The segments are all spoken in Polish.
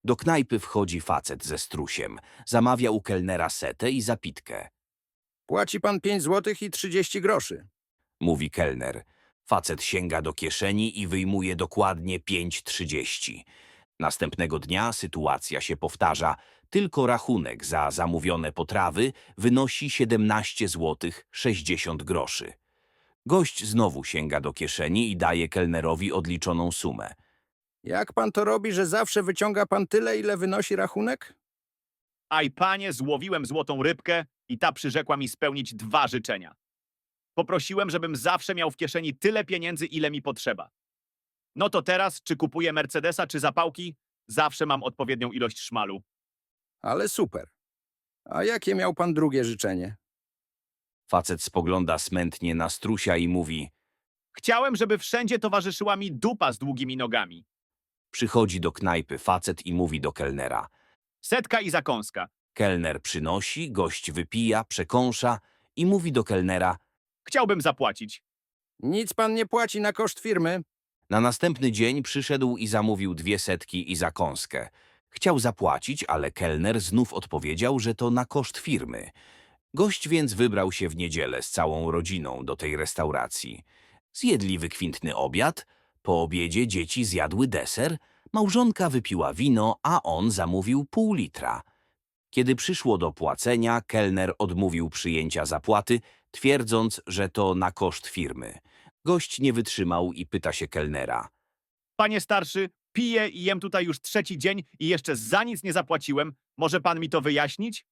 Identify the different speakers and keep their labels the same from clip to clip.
Speaker 1: Do knajpy wchodzi facet ze strusiem. Zamawia u kelnera setę i zapitkę.
Speaker 2: Płaci pan 5 złotych i 30 groszy.
Speaker 1: Mówi kelner. Facet sięga do kieszeni i wyjmuje dokładnie 5,30. Następnego dnia sytuacja się powtarza. Tylko rachunek za zamówione potrawy wynosi 17 złotych 60 groszy. Gość znowu sięga do kieszeni i daje kelnerowi odliczoną sumę.
Speaker 2: Jak pan to robi, że zawsze wyciąga pan tyle, ile wynosi rachunek?
Speaker 3: Aj panie, złowiłem złotą rybkę i ta przyrzekła mi spełnić 2 życzenia. Poprosiłem, żebym zawsze miał w kieszeni tyle pieniędzy, ile mi potrzeba. No to teraz, czy kupuję Mercedesa, czy zapałki, zawsze mam odpowiednią ilość szmalu.
Speaker 2: Ale super. A jakie miał pan drugie życzenie?
Speaker 1: Facet spogląda smętnie na strusia i mówi.
Speaker 3: Chciałem, żeby wszędzie towarzyszyła mi dupa z długimi nogami.
Speaker 1: Przychodzi do knajpy facet i mówi do kelnera.
Speaker 3: Setka i zakąska.
Speaker 1: Kelner przynosi, gość wypija, przekąsza i mówi do kelnera.
Speaker 3: Chciałbym zapłacić.
Speaker 2: Nic pan nie płaci na koszt firmy.
Speaker 1: Na następny dzień przyszedł i zamówił 2 setki i zakąskę. Chciał zapłacić, ale kelner znów odpowiedział, że to na koszt firmy. Gość więc wybrał się w niedzielę z całą rodziną do tej restauracji. Zjedli wykwintny obiad, po obiedzie dzieci zjadły deser, małżonka wypiła wino, a on zamówił pół litra. Kiedy przyszło do płacenia, kelner odmówił przyjęcia zapłaty, twierdząc, że to na koszt firmy. Gość nie wytrzymał i pyta się kelnera.
Speaker 3: Panie starszy, piję i jem tutaj już 3. dzień i jeszcze za nic nie zapłaciłem. Może pan mi to wyjaśnić?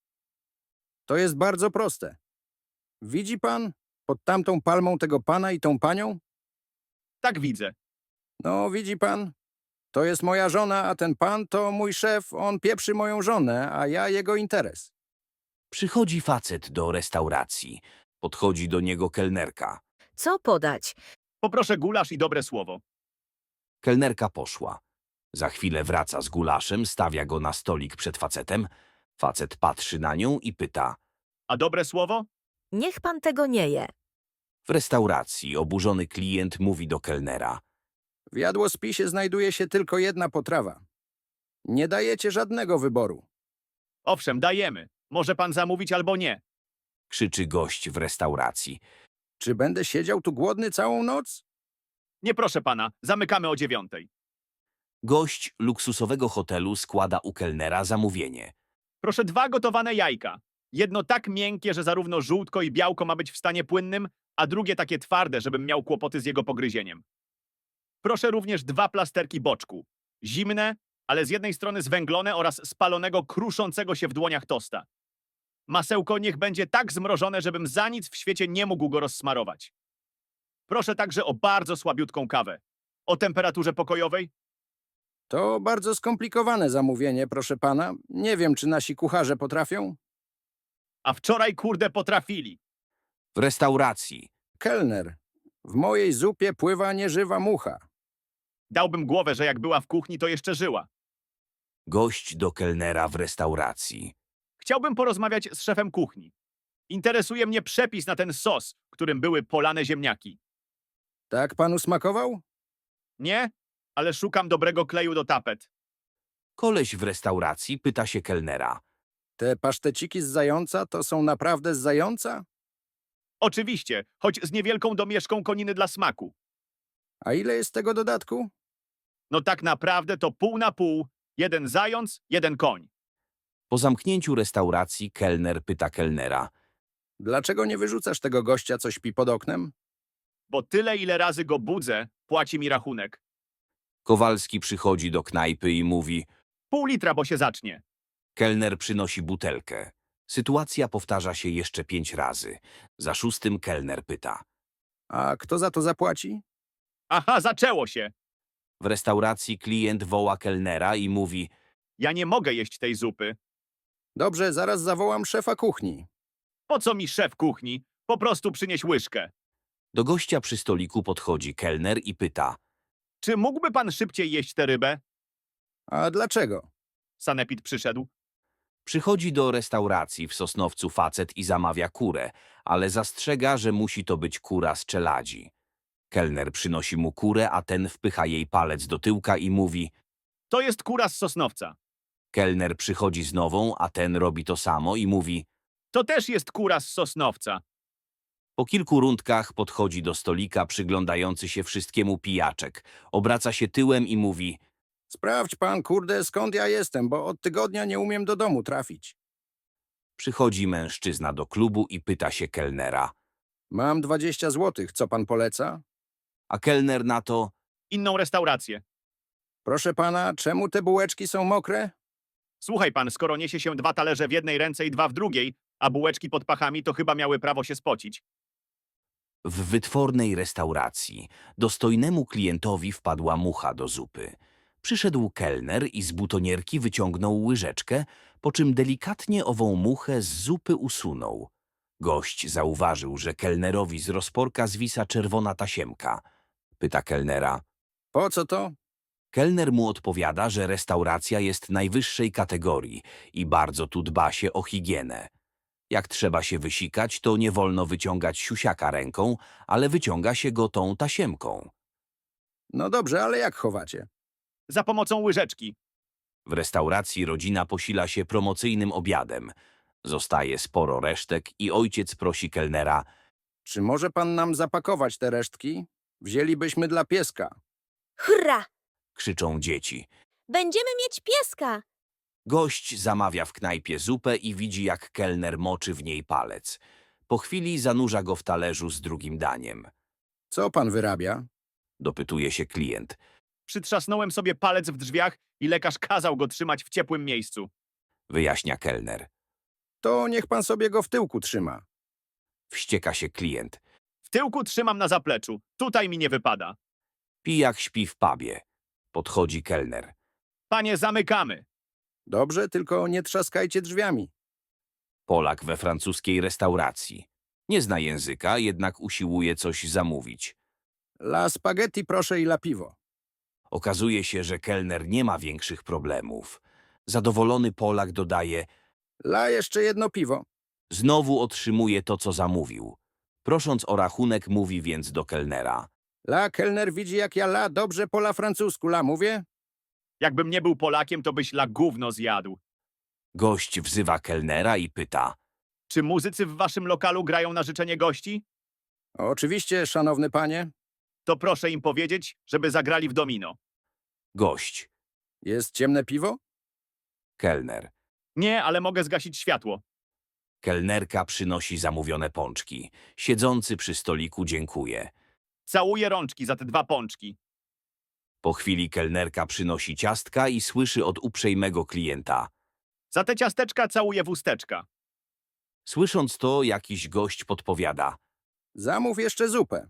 Speaker 2: To jest bardzo proste. Widzi pan pod tamtą palmą tego pana i tą panią?
Speaker 3: Tak widzę.
Speaker 2: No, widzi pan? To jest moja żona, a ten pan to mój szef. On pieprzy moją żonę, a ja jego interes.
Speaker 1: Przychodzi facet do restauracji. Podchodzi do niego kelnerka.
Speaker 4: Co podać?
Speaker 3: Poproszę gulasz i dobre słowo.
Speaker 1: Kelnerka poszła. Za chwilę wraca z gulaszem, stawia go na stolik przed facetem. Facet patrzy na nią i pyta.
Speaker 3: A dobre słowo?
Speaker 4: Niech pan tego nie je.
Speaker 1: W restauracji oburzony klient mówi do kelnera.
Speaker 2: W jadłospisie znajduje się tylko jedna potrawa. Nie dajecie żadnego wyboru.
Speaker 3: Owszem, dajemy. Może pan zamówić albo nie.
Speaker 1: Krzyczy gość w restauracji.
Speaker 2: Czy będę siedział tu głodny całą noc?
Speaker 3: Nie proszę pana, zamykamy o 9.
Speaker 1: Gość luksusowego hotelu składa u kelnera zamówienie.
Speaker 3: Proszę 2 gotowane jajka. Jedno tak miękkie, że zarówno żółtko i białko ma być w stanie płynnym, a drugie takie twarde, żebym miał kłopoty z jego pogryzieniem. Proszę również 2 plasterki boczku. Zimne, ale z jednej strony zwęglone oraz spalonego, kruszącego się w dłoniach tosta. Masełko niech będzie tak zmrożone, żebym za nic w świecie nie mógł go rozsmarować. Proszę także o bardzo słabiutką kawę. O temperaturze pokojowej?
Speaker 2: To bardzo skomplikowane zamówienie, proszę pana. Nie wiem, czy nasi kucharze potrafią.
Speaker 3: A wczoraj kurde potrafili.
Speaker 1: W restauracji.
Speaker 2: Kelner, w mojej zupie pływa nieżywa mucha.
Speaker 3: Dałbym głowę, że jak była w kuchni, to jeszcze żyła.
Speaker 1: Gość do kelnera w restauracji.
Speaker 3: Chciałbym porozmawiać z szefem kuchni. Interesuje mnie przepis na ten sos, którym były polane ziemniaki.
Speaker 2: Tak panu smakował?
Speaker 3: Nie? Ale szukam dobrego kleju do tapet.
Speaker 1: Koleś w restauracji pyta się kelnera.
Speaker 2: Te paszteciki z zająca to są naprawdę z zająca?
Speaker 3: Oczywiście, choć z niewielką domieszką koniny dla smaku.
Speaker 2: A ile jest tego dodatku?
Speaker 3: No tak naprawdę to pół na pół. 1 zając, 1 koń.
Speaker 1: Po zamknięciu restauracji kelner pyta kelnera.
Speaker 2: Dlaczego nie wyrzucasz tego gościa, co śpi pod oknem?
Speaker 3: Bo tyle, ile razy go budzę, płaci mi rachunek.
Speaker 1: Kowalski przychodzi do knajpy i mówi.
Speaker 3: Pół litra, bo się zacznie.
Speaker 1: Kelner przynosi butelkę. Sytuacja powtarza się jeszcze 5 razy. Za 6 kelner pyta.
Speaker 2: A kto za to zapłaci?
Speaker 3: Aha, zaczęło się.
Speaker 1: W restauracji klient woła kelnera i mówi.
Speaker 3: Ja nie mogę jeść tej zupy.
Speaker 2: Dobrze, zaraz zawołam szefa kuchni.
Speaker 3: Po co mi szef kuchni? Po prostu przynieś łyżkę.
Speaker 1: Do gościa przy stoliku podchodzi kelner i pyta.
Speaker 3: Czy mógłby pan szybciej jeść tę rybę?
Speaker 2: A dlaczego?
Speaker 3: Sanepid przyszedł.
Speaker 1: Przychodzi do restauracji w Sosnowcu facet i zamawia kurę, ale zastrzega, że musi to być kura z czeladzi. Kelner przynosi mu kurę, a ten wpycha jej palec do tyłka i mówi.
Speaker 3: To jest kura z Sosnowca.
Speaker 1: Kelner przychodzi z nową, a ten robi to samo i mówi.
Speaker 3: To też jest kura z Sosnowca.
Speaker 1: Po kilku rundkach podchodzi do stolika, przyglądający się wszystkiemu pijaczek. Obraca się tyłem i mówi.
Speaker 2: Sprawdź pan, kurde, skąd ja jestem, bo od tygodnia nie umiem do domu trafić.
Speaker 1: Przychodzi mężczyzna do klubu i pyta się kelnera.
Speaker 2: Mam 20 złotych, co pan poleca?
Speaker 1: A kelner na to.
Speaker 3: Inną restaurację.
Speaker 2: Proszę pana, czemu te bułeczki są mokre?
Speaker 3: Słuchaj pan, skoro niesie się 2 talerze w jednej ręce i 2 w drugiej, a bułeczki pod pachami, to chyba miały prawo się spocić.
Speaker 1: W wytwornej restauracji dostojnemu klientowi wpadła mucha do zupy. Przyszedł kelner i z butonierki wyciągnął łyżeczkę, po czym delikatnie ową muchę z zupy usunął. Gość zauważył, że kelnerowi z rozporka zwisa czerwona tasiemka. Pyta kelnera.
Speaker 2: Po co to?
Speaker 1: Kelner mu odpowiada, że restauracja jest najwyższej kategorii i bardzo tu dba się o higienę. Jak trzeba się wysikać, to nie wolno wyciągać siusiaka ręką, ale wyciąga się go tą tasiemką.
Speaker 2: No dobrze, ale jak chowacie?
Speaker 3: Za pomocą łyżeczki.
Speaker 1: W restauracji rodzina posila się promocyjnym obiadem. Zostaje sporo resztek i ojciec prosi kelnera.
Speaker 2: Czy może pan nam zapakować te resztki? Wzięlibyśmy dla pieska.
Speaker 5: Hurra!
Speaker 1: Krzyczą dzieci.
Speaker 5: Będziemy mieć pieska!
Speaker 1: Gość zamawia w knajpie zupę i widzi, jak kelner moczy w niej palec. Po chwili zanurza go w talerzu z drugim daniem.
Speaker 2: Co pan wyrabia?
Speaker 1: Dopytuje się klient.
Speaker 3: Przytrzasnąłem sobie palec w drzwiach i lekarz kazał go trzymać w ciepłym miejscu.
Speaker 1: Wyjaśnia kelner.
Speaker 2: To niech pan sobie go w tyłku trzyma.
Speaker 1: Wścieka się klient.
Speaker 3: W tyłku trzymam na zapleczu. Tutaj mi nie wypada.
Speaker 1: Pijak śpi w pubie. Podchodzi kelner.
Speaker 3: Panie, zamykamy.
Speaker 2: Dobrze, tylko nie trzaskajcie drzwiami.
Speaker 1: Polak we francuskiej restauracji. Nie zna języka, jednak usiłuje coś zamówić.
Speaker 2: La spaghetti proszę i la piwo.
Speaker 1: Okazuje się, że kelner nie ma większych problemów. Zadowolony Polak dodaje.
Speaker 2: La jeszcze jedno piwo.
Speaker 1: Znowu otrzymuje to, co zamówił. Prosząc o rachunek, mówi więc do kelnera.
Speaker 2: La kelner widzi jak ja la dobrze po la francusku. La mówię?
Speaker 3: Jakbym nie był Polakiem, to byś la gówno zjadł.
Speaker 1: Gość wzywa kelnera i pyta.
Speaker 3: Czy muzycy w waszym lokalu grają na życzenie gości?
Speaker 2: Oczywiście, szanowny panie.
Speaker 3: To proszę im powiedzieć, żeby zagrali w domino.
Speaker 1: Gość.
Speaker 2: Jest ciemne piwo?
Speaker 1: Kelner.
Speaker 3: Nie, ale mogę zgasić światło.
Speaker 1: Kelnerka przynosi zamówione pączki. Siedzący przy stoliku dziękuje.
Speaker 3: Całuję rączki za te 2 pączki.
Speaker 1: Po chwili kelnerka przynosi ciastka i słyszy od uprzejmego klienta.
Speaker 3: Za te ciasteczka całuję w usteczka.
Speaker 1: Słysząc to, jakiś gość podpowiada.
Speaker 2: Zamów jeszcze zupę.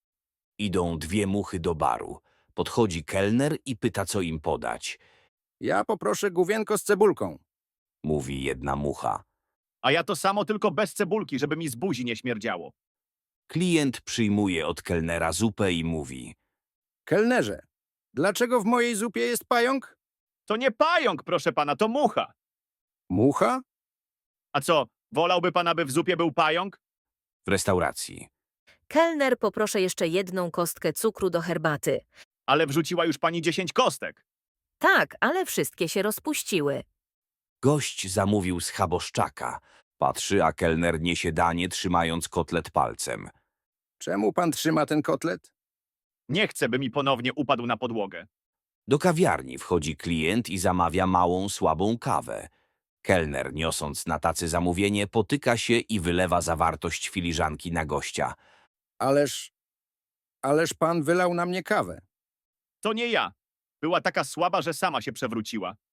Speaker 1: Idą 2 muchy do baru. Podchodzi kelner i pyta, co im podać.
Speaker 2: Ja poproszę główienko z cebulką.
Speaker 1: Mówi jedna mucha.
Speaker 3: A ja to samo, tylko bez cebulki, żeby mi z buzi nie śmierdziało.
Speaker 1: Klient przyjmuje od kelnera zupę i mówi.
Speaker 2: Kelnerze, dlaczego w mojej zupie jest pająk?
Speaker 3: To nie pająk, proszę pana, to mucha.
Speaker 2: Mucha?
Speaker 3: A co, wolałby pan, aby w zupie był pająk?
Speaker 1: W restauracji.
Speaker 4: Kelner, poproszę jeszcze jedną kostkę cukru do herbaty.
Speaker 3: Ale wrzuciła już pani 10 kostek.
Speaker 4: Tak, ale wszystkie się rozpuściły.
Speaker 1: Gość zamówił schaboszczaka. Patrzy, a kelner niesie danie, trzymając kotlet palcem.
Speaker 2: Czemu pan trzyma ten kotlet?
Speaker 3: Nie chcę, by mi ponownie upadł na podłogę.
Speaker 1: Do kawiarni wchodzi klient i zamawia małą, słabą kawę. Kelner, niosąc na tacy zamówienie, potyka się i wylewa zawartość filiżanki na gościa.
Speaker 2: Ależ pan wylał na mnie kawę.
Speaker 3: To nie ja. Była taka słaba, że sama się przewróciła.